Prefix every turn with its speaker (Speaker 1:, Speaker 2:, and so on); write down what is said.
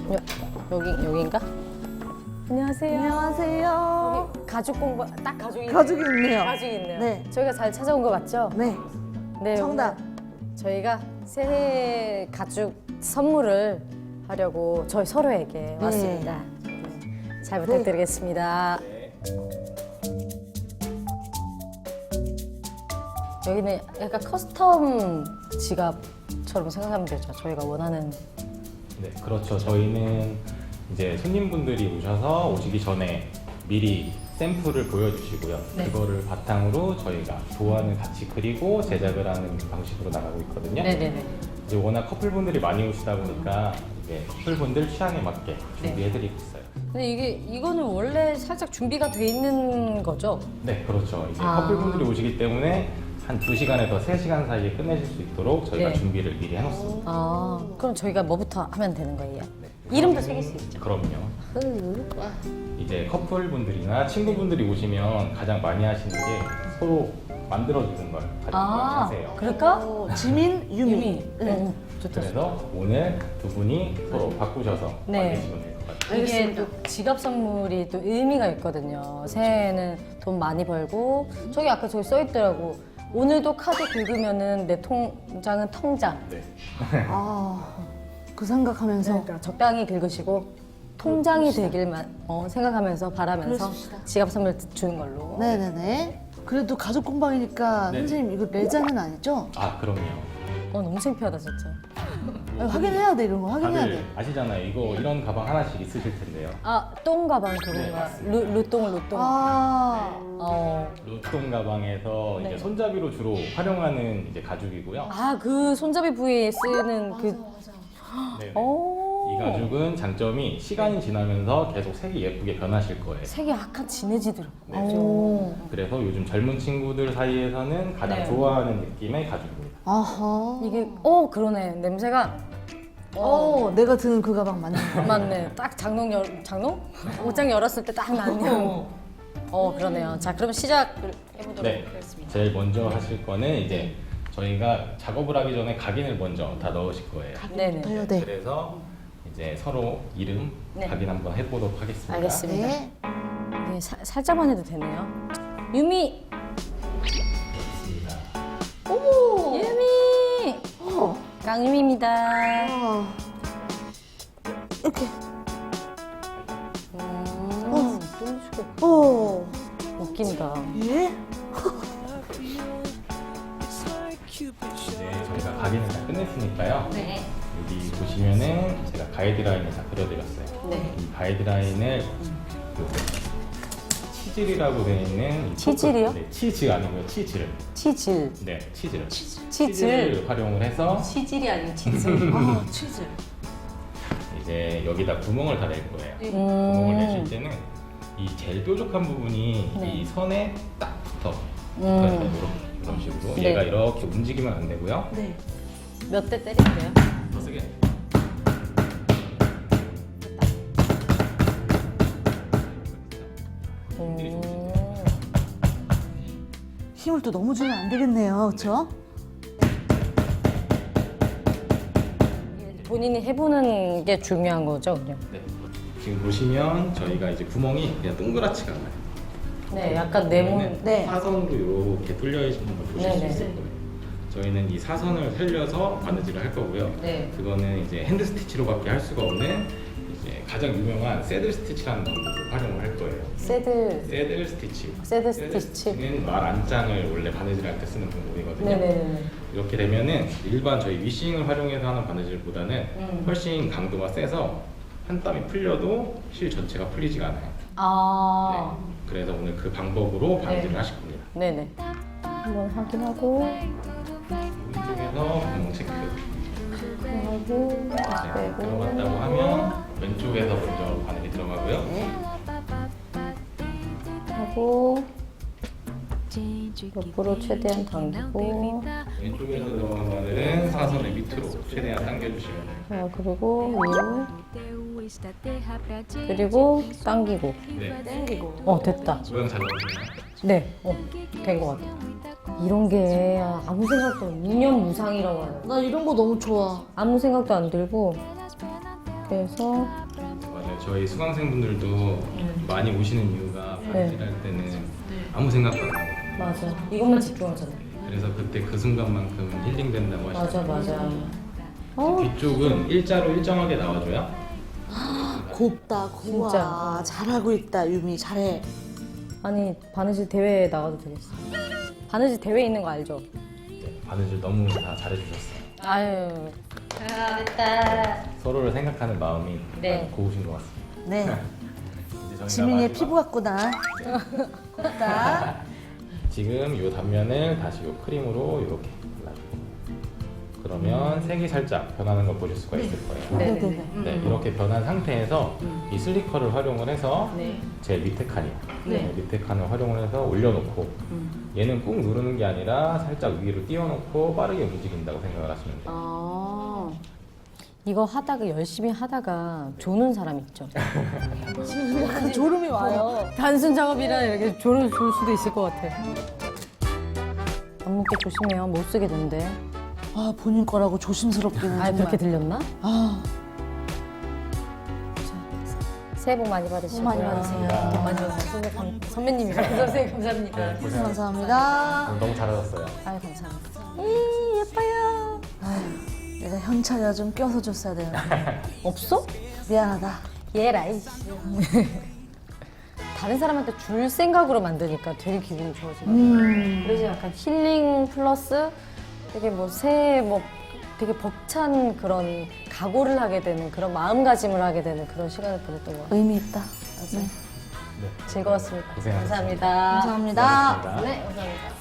Speaker 1: 여기인가? 안녕하세요.
Speaker 2: 안녕하세요.
Speaker 1: 여기 가죽 공방 딱 가죽이
Speaker 2: 가죽이 있네요.
Speaker 1: 가죽이 있네요.
Speaker 2: 네.
Speaker 1: 저희가 잘 찾아온 거 맞죠?
Speaker 2: 네.
Speaker 1: 네.
Speaker 2: 정답.
Speaker 1: 오늘 저희가 새해 가죽 선물을 하려고 저희 서로에게 왔습니다. 잘 부탁드리겠습니다. 여기는 약간 커스텀 지갑처럼 생각하면 되죠. 저희가 원하는.
Speaker 3: 네, 그렇죠. 저희는 이제 손님분들이 오시기 전에 미리 샘플을 보여주시고요.
Speaker 1: 네.
Speaker 3: 그거를 바탕으로 저희가 도안을 같이 그리고 제작을 하는 방식으로 나가고 있거든요.
Speaker 1: 네네네.
Speaker 3: 이제 워낙 커플분들이 많이 오시다 보니까 이제 커플분들 취향에 맞게 준비해드리고 있어요.
Speaker 1: 근데 이거는 원래 살짝 준비가 돼 있는 거죠?
Speaker 3: 네, 그렇죠. 이제
Speaker 1: 아.
Speaker 3: 커플분들이 오시기 때문에 한 2시간에서 3시간 사이에 끝내실 수 있도록 저희가
Speaker 1: 네.
Speaker 3: 준비를 미리 해놓습니다.
Speaker 1: 아, 그럼 저희가 뭐부터 하면 되는 거예요?
Speaker 3: 네.
Speaker 1: 이름도 새길 수 있죠?
Speaker 3: 그럼요. 이제 커플분들이나 친구분들이 오시면 가장 많이 하시는 게 서로 만들어주는 걸 가장 많이 하세요.
Speaker 1: 그럴까?
Speaker 2: 지민, 유미.
Speaker 1: 네. 좋다.
Speaker 3: 그래서 오늘 두 분이 서로 바꾸셔서
Speaker 1: 네.
Speaker 3: 만드시면 될 것 같아요.
Speaker 1: 이게
Speaker 2: 알겠습니다.
Speaker 1: 또 지갑 선물이 또 의미가 있거든요. 새해에는 돈 많이 벌고 저기 아까 저기 써 있더라고. 오늘도 카드 긁으면은 내 통장은 통장.
Speaker 3: 네.
Speaker 2: 아, 그 생각하면서.
Speaker 1: 그러니까 적당히 긁으시고 통장이 되길만 생각하면서 바라면서
Speaker 2: 그러십시다.
Speaker 1: 지갑 선물 주는 걸로.
Speaker 2: 네네네. 그래도 가죽 공방이니까
Speaker 3: 네.
Speaker 2: 선생님 이거 레자는 아니죠?
Speaker 3: 아, 그럼요.
Speaker 1: 너무 창피하다 진짜.
Speaker 2: 확인해야 돼 이런 거 확인해야
Speaker 3: 다들
Speaker 2: 돼.
Speaker 3: 아시잖아요. 이런 가방 하나씩 있으실 텐데요.
Speaker 1: 아, 똥 가방
Speaker 3: 네,
Speaker 1: 그건가?
Speaker 3: 맞습니다.
Speaker 1: 루똥.
Speaker 2: 아,
Speaker 3: 루통 가방에서
Speaker 1: 네.
Speaker 3: 이제 손잡이로 주로 활용하는 이제 가죽이고요.
Speaker 1: 아, 그 손잡이 부위에 쓰는 그.
Speaker 3: 네.
Speaker 1: 오.
Speaker 3: 이 가죽은 장점이 시간이 지나면서 계속 색이 예쁘게 변하실 거예요.
Speaker 1: 색이 약간 진해지더라고.
Speaker 3: 네.
Speaker 1: 오.
Speaker 3: 그래서 요즘 젊은 친구들 사이에서는 가장
Speaker 1: 네.
Speaker 3: 좋아하는 느낌의 가죽입니다.
Speaker 2: 아하.
Speaker 1: 이게 그러네. 냄새가
Speaker 2: 내가 드는 그 가방 맞는 거.
Speaker 1: 맞네. 딱 장롱? 옷장 열었을 때 딱 나네요. 그러네요. 자, 그럼 시작을 해보도록
Speaker 3: 네.
Speaker 1: 하겠습니다.
Speaker 3: 제일 먼저 하실 거는 이제 저희가 작업을 하기 전에 각인을 먼저 다 넣으실 거예요.
Speaker 1: 네네.
Speaker 2: 돼요, 네.
Speaker 3: 그래서 이제 서로 이름
Speaker 1: 네.
Speaker 3: 각인 한번 해보도록 하겠습니다.
Speaker 1: 알겠습니다.
Speaker 2: 네.
Speaker 1: 이게 살짝만 해도 되네요. 유미!
Speaker 3: 좋습니다.
Speaker 2: 어머.
Speaker 1: 유미!
Speaker 2: 어.
Speaker 1: 강유미입니다.
Speaker 2: 아. 이렇게. 어.
Speaker 1: 웃긴다.
Speaker 2: 예?
Speaker 3: 네, 저희가 각인을 다 끝냈으니까요.
Speaker 1: 네.
Speaker 3: 여기 보시면은 제가 가이드라인을 다 그려드렸어요.
Speaker 1: 네.
Speaker 3: 이 가이드라인을 치질이라고 되어 있는 이
Speaker 1: 치질이요?
Speaker 3: 네, 치즈 아니고요. 치즈를.
Speaker 1: 치질.
Speaker 3: 네, 치즈를.
Speaker 1: 치질.
Speaker 3: 치즈를 활용을 해서
Speaker 1: 치질이 아니고 치즈.
Speaker 2: 아, 치즈.
Speaker 3: 이제 여기다 구멍을 다 낼 거예요. 구멍을 내실 때는 이 제일 뾰족한 부분이
Speaker 1: 네.
Speaker 3: 이 선에 딱 붙어. 그래서 이런 식으로
Speaker 1: 네.
Speaker 3: 얘가 이렇게 움직이면 안 되고요.
Speaker 2: 네.
Speaker 1: 몇 대 때리세요?
Speaker 3: 더 세게.
Speaker 2: 힘을 또 너무 주면 안 되겠네요. 그렇죠?
Speaker 1: 본인이 해보는 게 중요한 거죠, 그냥.
Speaker 3: 네. 지금 보시면 저희가 이제 구멍이 그냥 동그랗지가 않아요.
Speaker 1: 네, 약간 네모.
Speaker 2: 네.
Speaker 3: 사선으로 이렇게 뚫려 있는 걸 보실
Speaker 1: 네네.
Speaker 3: 수 있을 거예요. 저희는 이 사선을 살려서 바느질을 할 거고요.
Speaker 1: 네.
Speaker 3: 그거는 이제 핸드 스티치로밖에 할 수가 없는 이제 가장 유명한 새들 스티치라는 방법을 활용을 할 거예요.
Speaker 1: 새드
Speaker 3: 새들 스티치.
Speaker 1: 새드 스티치.
Speaker 3: 스티치는 말 안장을 원래 바느질할 때 쓰는 방법이거든요.
Speaker 1: 네네네.
Speaker 3: 이렇게 되면은 일반 저희 위싱을 활용해서 하는 바느질보다는 훨씬 강도가 세서 한 땀이 풀려도 실 전체가 풀리지가 않아요.
Speaker 1: 아.
Speaker 3: 네. 그래서 오늘 그 방법으로 바느질을
Speaker 1: 네.
Speaker 3: 하실 겁니다.
Speaker 1: 네네. 한번 확인하고
Speaker 3: 오른쪽에서 구멍 체크.
Speaker 1: 하고
Speaker 3: 네, 들어갔다고 하면 왼쪽에서 먼저 바늘이 들어가고요.
Speaker 1: 하고 옆으로 최대한 당기고
Speaker 3: 왼쪽에서 들어간 바늘은 사선의 밑으로 최대한 당겨주시면 돼요.
Speaker 1: 자 그리고 위로 그리고 당기고
Speaker 3: 네,
Speaker 2: 땡기고.
Speaker 1: 됐다.
Speaker 3: 모양 잘 나오시나요?
Speaker 1: 네, 된 것 같아. 이런 게 아무 생각도 무념무상이라고 하는.
Speaker 2: 나 이런 거 너무 좋아.
Speaker 1: 아무 생각도 안 들고 이렇게 해서
Speaker 3: 맞아요. 저희 수강생분들도 많이 오시는 이유가 바느질 할 때는 아무 생각도 안 하고
Speaker 1: 맞아. 이것만 집중하잖아.
Speaker 3: 그래서 그때 그 순간만큼 힐링된다고
Speaker 1: 맞아,
Speaker 3: 하시더라고요.
Speaker 1: 맞아.
Speaker 3: 뒤쪽은 일자로 일정하게 나와줘야
Speaker 2: 곱다, 고와.
Speaker 1: 진짜.
Speaker 2: 잘하고 있다, 유미. 잘해.
Speaker 1: 아니, 바느질 대회에 나가도 되겠어. 바느질 대회 있는 거 알죠?
Speaker 3: 바느질 너무 다 잘해주셨어요.
Speaker 1: 아유. 잘했다.
Speaker 3: 서로를 생각하는 마음이
Speaker 1: 네.
Speaker 3: 고우신 것 같습니다.
Speaker 2: 네.
Speaker 3: 이제 저희가
Speaker 2: 지민이의
Speaker 3: 마지막-
Speaker 2: 피부 같구나. 곱다.
Speaker 3: 지금 이 단면을 다시 이 크림으로 이렇게 발라주고 그러면 색이 살짝 변하는 걸 보실 수가 있을 거예요.
Speaker 1: 네.
Speaker 2: 네네네.
Speaker 3: 네, 이렇게 변한 상태에서 이 슬리커를 활용을 해서
Speaker 1: 네.
Speaker 3: 제 밑에 칸이요.
Speaker 1: 네.
Speaker 3: 밑에 칸을 활용을 해서 올려놓고 얘는 꾹 누르는 게 아니라 살짝 위로 띄워놓고 빠르게 움직인다고 생각을 하시면 돼요.
Speaker 1: 아. 이거 하다가 열심히 하다가 조는 사람 있죠.
Speaker 2: 약간 졸음이 와요.
Speaker 1: 단순 작업이라 이렇게 졸을 줄 수도 있을 것 같아. 안목게 조심해요. 못 쓰게 된대.
Speaker 2: 아, 본인 거라고 조심스럽기는
Speaker 1: 아,
Speaker 2: 정말.
Speaker 1: 그렇게 들렸나?
Speaker 2: 아,
Speaker 1: 새해 복 많이 받으시고요.
Speaker 2: 복 많이 받으세요.
Speaker 1: 복 많이 받으세요. 선배님이 선생님 감사합니다.
Speaker 3: 네, 고생하셨습니다.
Speaker 2: 감사합니다.
Speaker 3: 너무 잘하셨어요.
Speaker 1: 아유 감사합니다.
Speaker 2: 예뻐요. 아유, 내가 현찰이라 좀 껴서 줬어야 되는데.
Speaker 1: 없어?
Speaker 2: 미안하다.
Speaker 1: 얘라이. 다른 사람한테 줄 생각으로 만드니까 되게 기분이 좋아지거든요. 그래서 약간 힐링 플러스 되게 뭐 새해 뭐 되게 벅찬 그런 각오를 하게 되는 그런 마음가짐을 하게 되는 그런 시간을 보냈던 것 같아요.
Speaker 2: 의미 있다.
Speaker 1: 맞아요.
Speaker 3: 네.
Speaker 1: 즐거웠습니다.
Speaker 3: 고생하셨습니다.
Speaker 1: 감사합니다.
Speaker 2: 감사합니다.
Speaker 3: 고생하셨습니다.
Speaker 1: 네, 감사합니다.